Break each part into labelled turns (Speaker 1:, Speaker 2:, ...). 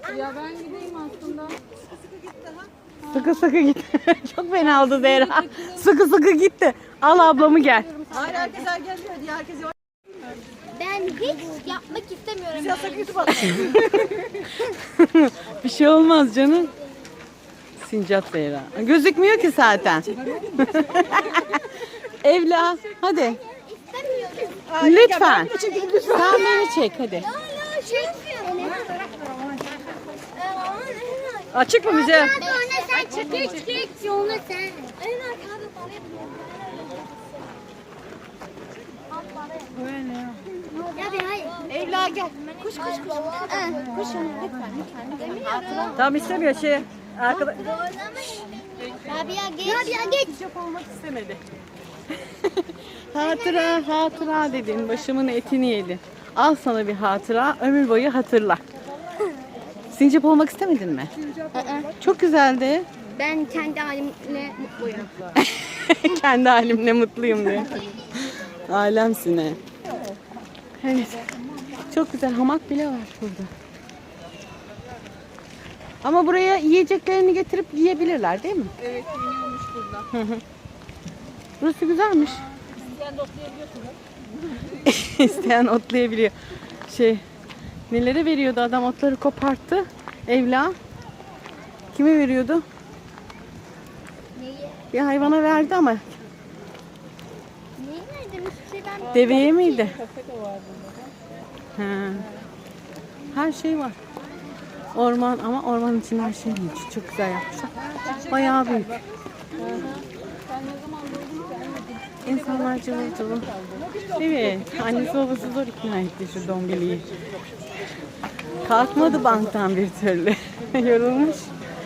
Speaker 1: Ya ben gideyim aslında.
Speaker 2: Sıkı sıkı git. Çok fena oldu Zehra. Sıkı sıkı gitti. Al ablamı gel.
Speaker 3: Hayır herkes gelmiyor diye herkes yok.
Speaker 4: Ben hiç yapmak istemiyorum.
Speaker 3: Biz yasak YouTube attık.
Speaker 2: Bir şey olmaz canım. Sincap Zehra. Gözükmüyor ki zaten. Evla hadi.
Speaker 4: İstemiyorum.
Speaker 2: Lütfen. Sen beni çek hadi.
Speaker 4: Hala çekmiyorum.
Speaker 3: Açık mı bize?
Speaker 4: Sonra sen çek. Geç. Sonra sen. En arkada Ya bir hayır.
Speaker 3: Evla gel.
Speaker 4: Kuş. Kuşum lütfen.
Speaker 3: Tamam istemiyor şey. Arkada.
Speaker 4: Rabia geç.
Speaker 2: Sincap olmak istemedi. Hatıra dedin. Başımın etini yedin. Al sana bir hatıra. Ömür boyu hatırla. Sincap olmak istemedin mi? Çok güzeldi.
Speaker 4: Ben kendi halimle mutluyum.
Speaker 2: Kendi halimle mutluyum diye. Alemsin he. Evet. Çok güzel hamak bile var burada. Ama buraya yiyeceklerini getirip yiyebilirler değil mi?
Speaker 1: Evet, yeniyormuş burada.
Speaker 2: Burası güzelmiş. İsteyen otlayabiliyor. Nelere veriyordu adam, otları koparttı. Evla. Kime veriyordu?
Speaker 4: Neyi?
Speaker 2: Bir hayvana verdi ama.
Speaker 4: Neyi verdim? Hiçbir şey ben...
Speaker 2: Deveye miydi?
Speaker 1: Kafe de var burada.
Speaker 2: Ha. Her şey var. Orman ama ormanın içinde her şey büyük. Çok güzel yapmışlar. Bayağı büyük. İnsanlar cıvıl cıvıl. Evet. Annesi babası zor ikna etti şu dombiliyi. Kalkmadı banktan bir türlü. Yorulmuş.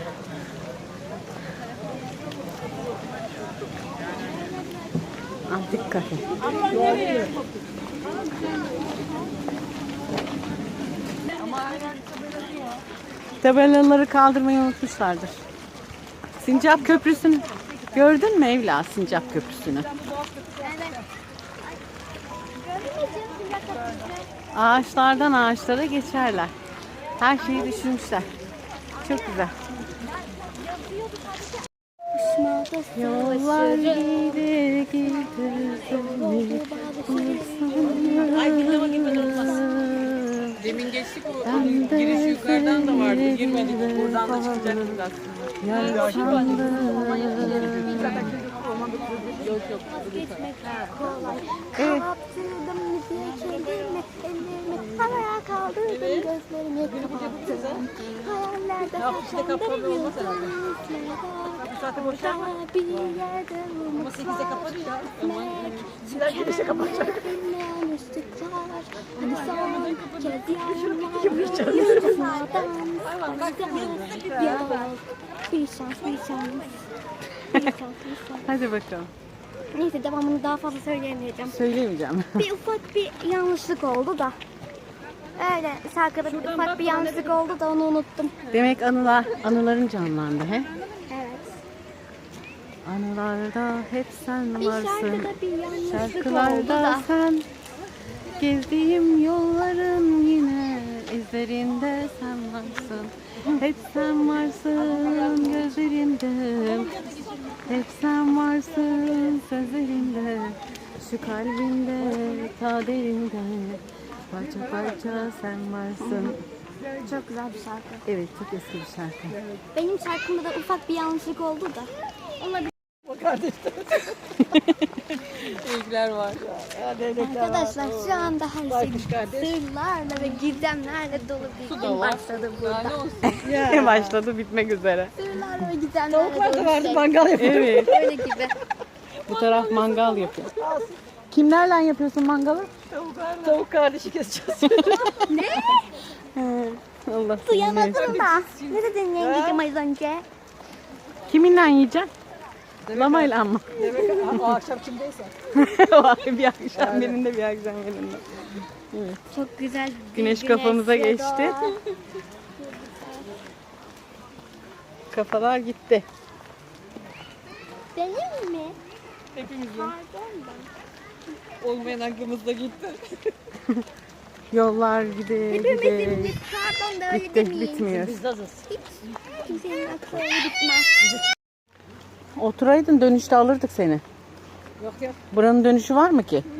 Speaker 2: Antik kafe. Tabelaları kaldırmayı unutmuşlardır. Sincap Köprüsü'nü gördün mü Evla, Sincap Köprüsü'nü? Ağaçlardan ağaçlara geçerler. Her şeyi düşünmüşler. Çok güzel. Yollar gider
Speaker 1: Demin geçtik o giriş yukarıdan da vardı. Girmedik. Buradan da çıkacaktık aslında. Yok.
Speaker 4: Kaptırdım müziği kendimi, ellerimi havaya kaldırdım, gözlerimi kapattım. Hayallerde yaşandım yıldızlarla.
Speaker 3: Bu saatte boşlar mı?
Speaker 4: Bir yerde
Speaker 3: Ama 8'de kapanıyor ya.
Speaker 4: unutmak.
Speaker 3: Sizler girişe kapatacak.
Speaker 4: Bilmeyen üstlükler. Hani son kez yanlar yıldızlardan. Ya bir şans.
Speaker 2: Hadi bakalım.
Speaker 4: Neyse devamını daha fazla söyleyemeyeceğim.
Speaker 2: Söyleyemeyeceğim.
Speaker 4: Bir ufak bir yanlışlık oldu da. Öyle şarkıda bir ufak bir yanlışlık oldu da onu unuttum.
Speaker 2: Demek anıların canlandı he?
Speaker 4: Evet.
Speaker 2: Anılarda hep sen
Speaker 4: Bir
Speaker 2: varsın.
Speaker 4: şarkıda bir yanlışlık oldu
Speaker 2: Şarkılarda
Speaker 4: da.
Speaker 2: sen. Gezdiğim yolların yine izlerinde sen varsın. Hep sen varsın gözlerimde. Hep sen varsın sözlerimde. Şu kalbimde ta derinde. Parça parça sen varsın.
Speaker 4: Çok güzel bir şarkı.
Speaker 2: Evet, çok eski bir şarkı.
Speaker 4: Benim şarkımda da ufak bir yanlışlık oldu da. Onunla bir...
Speaker 1: İlgiler var.
Speaker 4: Arkadaşlar şu anda her şey
Speaker 3: kardeş.
Speaker 4: sırlarla ve gizemlerle dolu bir gün başladı
Speaker 1: Daha ne
Speaker 4: burada.
Speaker 1: olsun?
Speaker 2: Başladı bitmek üzere.
Speaker 4: Sırlarla ve gizemlerle
Speaker 3: Tavuklar da
Speaker 4: dolu
Speaker 3: vardı
Speaker 4: bir şey.
Speaker 3: mangal yapıyor.
Speaker 2: Evet.
Speaker 4: Öyle gibi.
Speaker 2: Bu taraf mangal yapıyor. Kimlerle yapıyorsun mangalı?
Speaker 3: Tavuk kardeşi keseceğiz.
Speaker 2: Allah seni.
Speaker 4: Duyamadım da. Ne dedin yengeciğim az önce?
Speaker 2: Kiminle yiyeceksin? Lamayla mı?
Speaker 3: Demek o akşam kimdeyse.
Speaker 2: Bir akşam birinde bir akşam birinde.
Speaker 4: Çok güzel.
Speaker 2: Güneş kafamıza geçti. Kafalar gitti.
Speaker 4: Benim mi?
Speaker 1: Hepimizin.
Speaker 4: Pardon ben.
Speaker 1: Olmayan aklımızda gitti.
Speaker 2: Yollar gide gide.
Speaker 4: Pardon da öyle
Speaker 2: Bitti,
Speaker 4: demeyin.
Speaker 2: bitmiyor.
Speaker 3: Biz hazırız.
Speaker 4: Hiç kimsenin aklı öyle bitmez.
Speaker 2: Oturaydın, dönüşte alırdık seni.
Speaker 3: Yok yok.
Speaker 2: Buranın dönüşü var mı ki?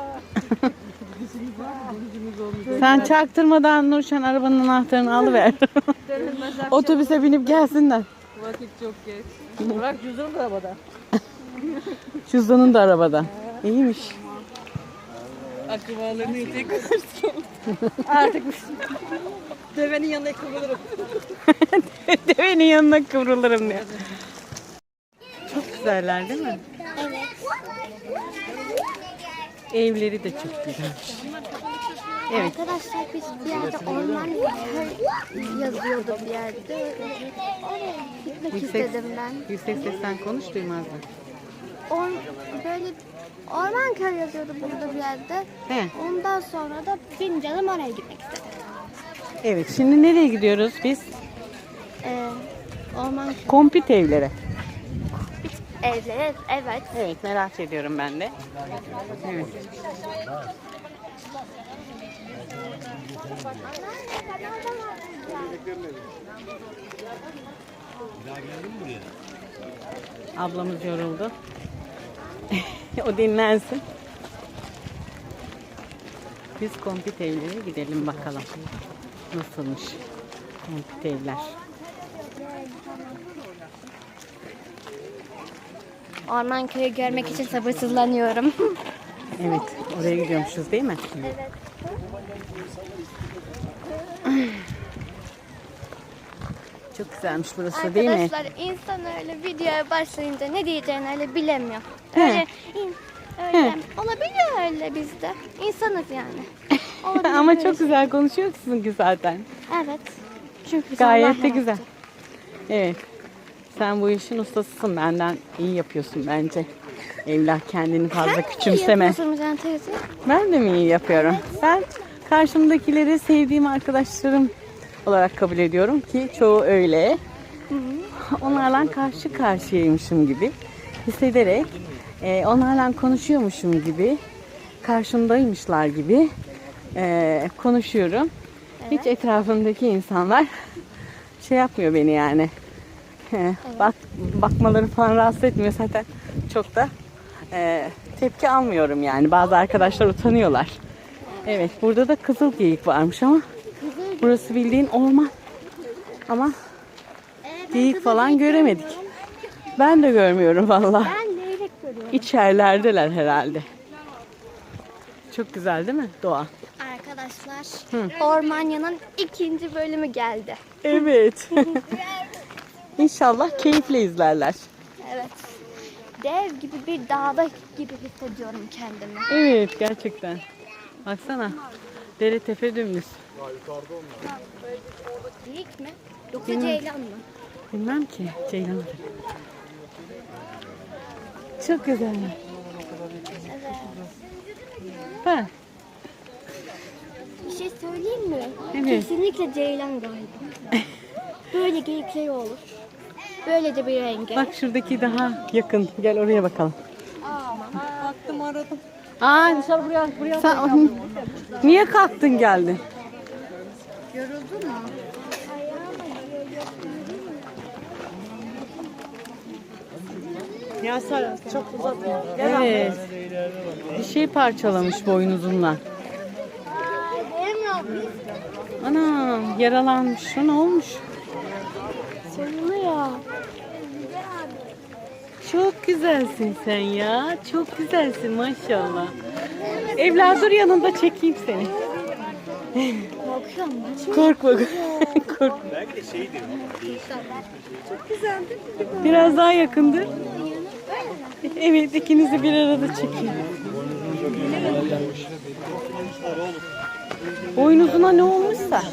Speaker 2: Sen çaktırmadan Nurşen arabanın anahtarını alıver. Otobüse binip gelsinler.
Speaker 1: Vakit çok geç.
Speaker 3: Bırak cüzdanı da arabada.
Speaker 2: Cüzdanın da arabada. İyiymiş.
Speaker 1: Akrabalarını yetek
Speaker 3: Artık devenin yanına kıvrılırım.
Speaker 2: Devenin yanına kıvrılırım diyor. Çok güzeller değil mi?
Speaker 4: Evet.
Speaker 2: Evleri de çok güzelmiş. Evet.
Speaker 4: Arkadaşlar biz bir yerde orman köy yazıyordu bir yerde. Oraya gitmek istedim ben.
Speaker 2: Yüksek sesten konuş, duymazlar.
Speaker 4: Böyle orman köy yazıyordu burada bir yerde.
Speaker 2: He.
Speaker 4: Ondan sonra da benim canım oraya gitmek istedi.
Speaker 2: Evet, şimdi nereye gidiyoruz biz?
Speaker 4: Orman köy
Speaker 2: Kompit evlere.
Speaker 4: evleri, evet.
Speaker 2: Evet, merak ediyorum ben de. Evet. Ablamız yoruldu. O dinlensin. Biz kompit evlere gidelim bakalım. Nasılmış kompit evler.
Speaker 4: Orman köyü görmek için sabırsızlanıyorum.
Speaker 2: Evet, oraya gidiyormuşuz değil mi?
Speaker 4: Evet.
Speaker 2: Çok güzelmiş burası değil mi?
Speaker 4: Arkadaşlar insan öyle videoya başlayınca ne diyeceğini öyle bilemiyor.
Speaker 2: He.
Speaker 4: Öyle, öyle olabiliyor öyle bizde. İnsanız yani. Olabilir
Speaker 2: Ama
Speaker 4: böyle
Speaker 2: çok
Speaker 4: şey.
Speaker 2: güzel konuşuyorsun ki zaten.
Speaker 4: Evet. Çünkü biz
Speaker 2: Gayet
Speaker 4: Allah
Speaker 2: de
Speaker 4: yarattı.
Speaker 2: güzel. Evet. Sen bu işin ustasısın. Benden iyi yapıyorsun bence. Evlat, kendini fazla
Speaker 4: Sen
Speaker 2: küçümseme.
Speaker 4: iyi yapıyorsun Can teyze.
Speaker 2: Ben de mi iyi yapıyorum? Ben karşımdakileri sevdiğim arkadaşlarım olarak kabul ediyorum ki çoğu öyle. Onlarla karşı karşıyaymışım gibi hissederek onlarla konuşuyormuşum gibi karşımdaymışlar gibi konuşuyorum. Hiç etrafımdaki insanlar şey yapmıyor beni yani. Bakmaları falan rahatsız etmiyor zaten, çok da tepki almıyorum yani. Bazı arkadaşlar utanıyorlar. Evet, burada da kızıl geyik varmış ama burası bildiğin orman. Ama geyik falan göremedik. Ben de görmüyorum vallahi.
Speaker 4: Ben leylek görüyorum.
Speaker 2: İçerilerdeler herhalde. Çok güzel değil mi doğa?
Speaker 4: Arkadaşlar Ormanya'nın 2. bölümü geldi.
Speaker 2: Evet. İnşallah keyifle izlerler.
Speaker 4: Evet. Dev gibi bir dağda gibi hissediyorum kendimi.
Speaker 2: Evet, gerçekten. Baksana. Dere tepe dümdüz.
Speaker 4: Geyik mi? Yoksa ceylan mı?
Speaker 2: Bilmem ki. Ceylan'dır. Çok güzel. Ha,
Speaker 4: Bir şey söyleyeyim mi?
Speaker 2: Evet.
Speaker 4: Kesinlikle ceylan galiba. Böyle geyikler olur. Böyle de bir rengi.
Speaker 2: bak şuradaki daha yakın. Gel oraya bakalım.
Speaker 1: baktım aradım.
Speaker 2: Aa,
Speaker 3: Buraya
Speaker 2: sen niye kalktın geldin?
Speaker 4: Yoruldun mu?
Speaker 3: Ya Sara çok uzatma.
Speaker 2: Evet. Bir şey parçalamış boynuzundan. Ana, yaralanmış. Ne olmuş?
Speaker 4: Soruluyor.
Speaker 2: Çok güzelsin sen ya. Çok güzelsin maşallah. Evladım dur, yanında çekeyim seni.
Speaker 4: Korkuyorum ben.
Speaker 2: Korkma. Korkma. Biraz daha yakındır. Evet, ikinizi bir arada çekeyim. Boynuzuna ne olmuşsa.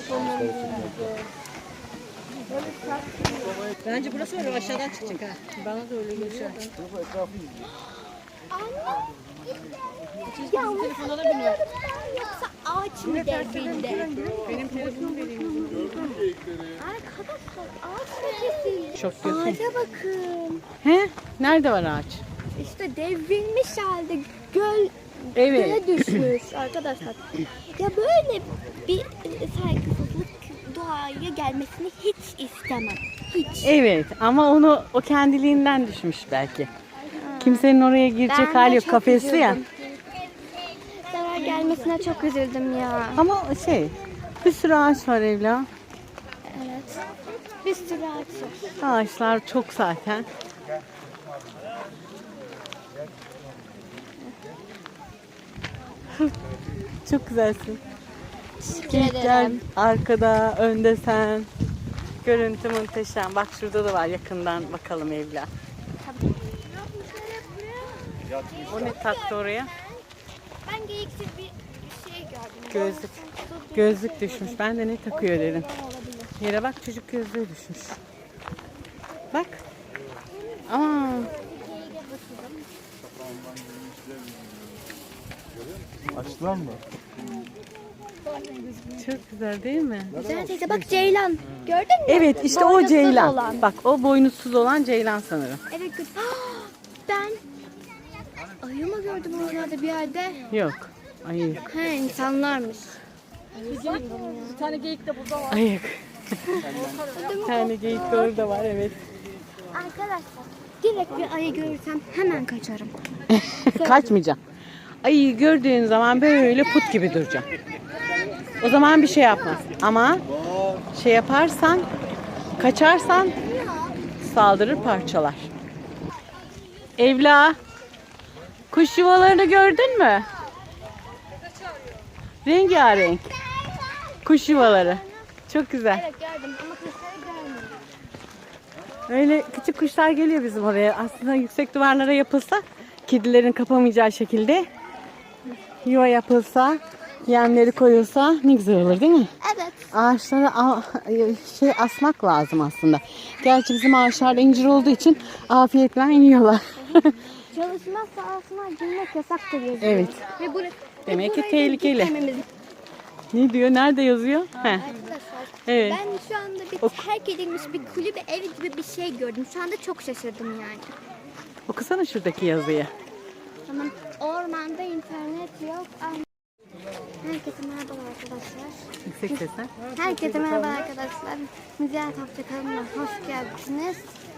Speaker 3: Bence burası öyle aşağıdan çıkacak ha. Bana da öyle geliyor.
Speaker 4: Ya telefona da biniyor. Yoksa ağaç mı devrildi?
Speaker 2: Benim telefonum vereyim.
Speaker 4: Arkadaşlar ağaç mı kesildi?
Speaker 2: Çok diyorsun.
Speaker 4: Ağaca bakın.
Speaker 2: He? Nerede var ağaç?
Speaker 4: İşte devrilmiş halde
Speaker 2: Evet.
Speaker 4: göle düşmüş arkadaşlar. Ya böyle bir saygısızlık doğaya gelmesini hiç istemem. Hiç.
Speaker 2: Evet ama o kendiliğinden düşmüş belki. Kimsenin oraya girecek
Speaker 4: Ben
Speaker 2: hali
Speaker 4: de
Speaker 2: yok.
Speaker 4: çok
Speaker 2: Kafesli ya.
Speaker 4: üzüldüm. Zarar gelmesine çok üzüldüm ya.
Speaker 2: Ama bir sürü ağaç var Evla.
Speaker 4: Evet. Bir sürü ağaç var.
Speaker 2: Ağaçlar çok zaten. Çok güzelsin.
Speaker 4: Teşekkür
Speaker 2: Geyikler
Speaker 4: ederim.
Speaker 2: arkada, önde sen. Görüntü muhteşem. Bak şurada da var, yakından bakalım Evla. O ne taktı oraya?
Speaker 4: Ben geyiksiz bir şey gördüm.
Speaker 2: Gözlük. Gözlük düşmüş. Ben de ne takıyor dedim. Yere bak, çocuk gözlüğü düşmüş. Bak. Aa.
Speaker 5: Açtılar mı?
Speaker 2: Çok güzel değil mi?
Speaker 4: Güzel teyze bak ceylan. Gördün mü?
Speaker 2: Evet işte o
Speaker 4: Boynuzsuz
Speaker 2: ceylan.
Speaker 4: olan.
Speaker 2: Bak o boynuzsuz olan ceylan sanırım.
Speaker 4: Evet. Ben ayı mı gördüm oralarda bir yerde?
Speaker 2: Yok. Ayık.
Speaker 4: He insanlarmış.
Speaker 3: Bir tane geyik de burada var.
Speaker 2: Ayık. Bir tane geyik de orada var, evet.
Speaker 4: Arkadaşlar direkt bir ayı görürsem hemen kaçarım.
Speaker 2: Kaçmayacağım. Ayıyı gördüğün zaman böyle put gibi duracaksın. O zaman bir şey yapmaz. Ama şey yaparsan, kaçarsan saldırır, parçalar. Evla, kuş yuvalarını gördün mü? Rengarenk. Kuş yuvaları. Çok güzel.
Speaker 4: Evet gördüm ama kuşları görmedim.
Speaker 2: Öyle küçük kuşlar geliyor bizim oraya. Aslında yüksek duvarlara yapılsa, kedilerin kapamayacağı şekilde yuva yapılsa, yemleri koyulsa ne güzel olur değil mi?
Speaker 4: Evet.
Speaker 2: Ağaçlara asmak lazım aslında. Gerçi bizim ağaçlarda incir olduğu için afiyetle yiyorlar.
Speaker 4: Çalışma sahasına girmek yasaktır yazıyor.
Speaker 2: Evet.
Speaker 4: Ve
Speaker 2: Demek ki
Speaker 4: burayı
Speaker 2: tehlikeli.
Speaker 4: gitmememiz.
Speaker 2: Ne diyor? Nerede yazıyor? Heh.
Speaker 4: Arkadaşlar
Speaker 2: Evet.
Speaker 4: ben şu anda bir terk edilmiş bir kulübe ev gibi bir şey gördüm. Şu anda çok şaşırdım yani.
Speaker 2: Okusana şuradaki yazıyı.
Speaker 4: Tamam. Ormanda internet yok. Herkese merhaba arkadaşlar.
Speaker 2: Yüksek sesle.
Speaker 4: Herkese merhaba arkadaşlar. Müziğe Tapça kanalına hoş geldiniz.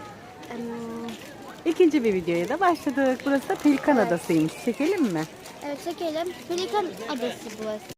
Speaker 2: İkinci bir videoya da başladık. Burası da Pelikan Adası'ymış. Çekelim mi?
Speaker 4: Evet çekelim. Pelikan Adası burası.